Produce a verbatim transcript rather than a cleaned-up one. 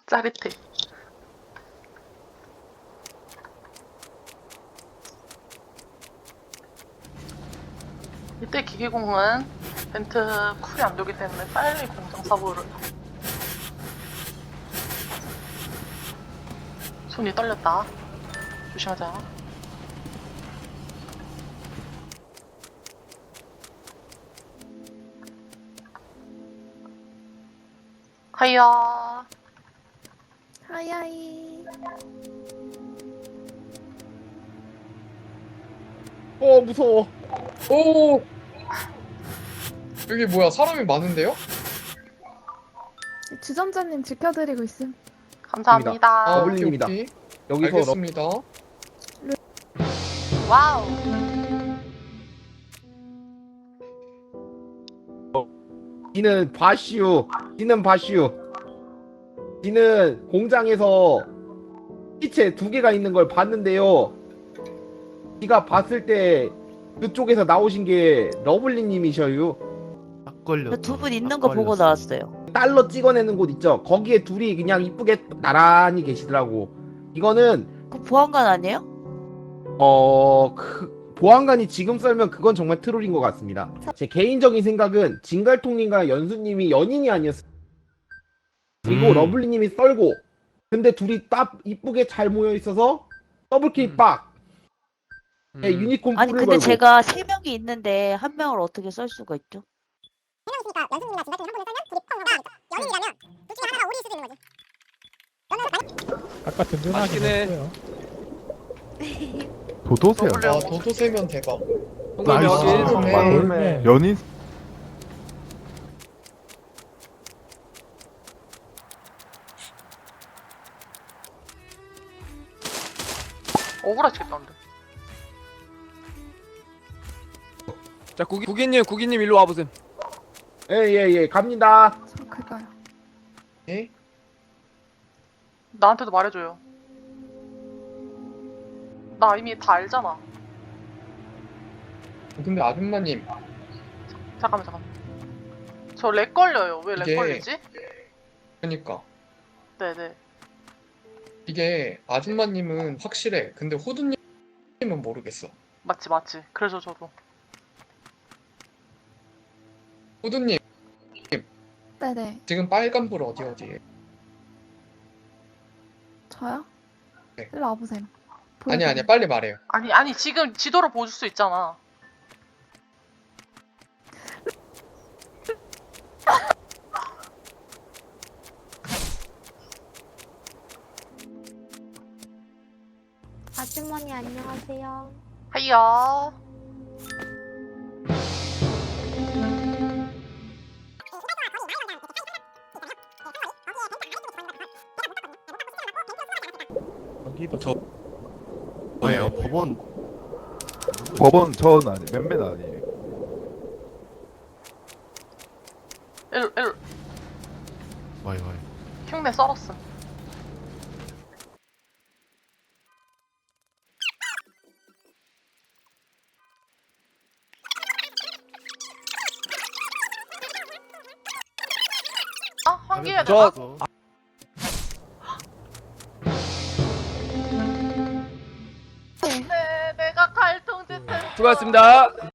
짜릿해. 이때 기계공은 벤트 쿨이 안 되기 때문에 빨리 공정 사고를. 손이 떨렸다. 조심하자. 하이야. 하야이. 어 무서워. 오! 여기 뭐야, 사람이 많은데요? 주점자님 지켜드리고 있음. 감사합니다. 아, 더블링입니다. 오케이, 오케이. 여기서 러... 알겠습니다. 와우. 지는 바슈, 지는 바슈, 지는 공장에서 시체 두 개가 있는 걸 봤는데요. 지가 봤을 때 그쪽에서 나오신 게 러블리님이셔요. 딱 걸렸다. 두 분 있는 딱 거 보고 걸렸어. 나왔어요. 달러 찍어내는 곳 있죠. 거기에 둘이 그냥 이쁘게 나란히 계시더라고. 이거는 그 보안관 아니에요? 어... 그... 보안관이 지금 썰면 그건 정말 트롤인 것 같습니다. 제 개인적인 생각은 진갈통님과 연수님이 연인이 아니었어요. 그리고 음. 러블리님이 썰고 근데 둘이 딱 이쁘게 잘 모여 있어서 더블킬 음. 빡! 음. 네, 유니콘 아니 풀을 근데 걸고. 제가 세 명이 있는데 한 명을 어떻게 썰 수가 있죠? 있으니까 연수님이나 진갈통이 한 번에 썰면 둘이 펑 연인이라면 둘 중에 하나가 오리일 수도 있는 거지. 아까 든든하긴 했어요. 도도새야. 더블- 아, 도도 세면 대박. 나이스. 네. 연인 억울하시겠다 근데. 자 구기, 구기님 구기님 일로 와보셈. 예예예 갑니다. 저 그거요. 예? 나한테도 말해줘요. 나 이미 다 알잖아. 근데 아줌마님, 잠깐만 잠깐만. 저 렉 걸려요. 왜 렉 이게- 걸리지? 그니까. 네네. 이게 아줌마님은 확실해. 근데 호두님은 모르겠어. 맞지 맞지. 그래서 저도. 호두님, 네네. 지금 빨간불 어디 어디에? 저요? 네. 일로 와보셈. 아니 아니 빨리 말해요. 아니 아니 지금 지도를 보여줄 수 있잖아. 아주머니 안녕하세요. 하이야. 여기도 저 아니요 법원 법원 전 아니 맨맨 아니에요. 일 일 와이 와이. 흉내 썰었음. 아 환기해야 되나? 저- 네, 내가 갈통짓 했어. 수고하셨습니다.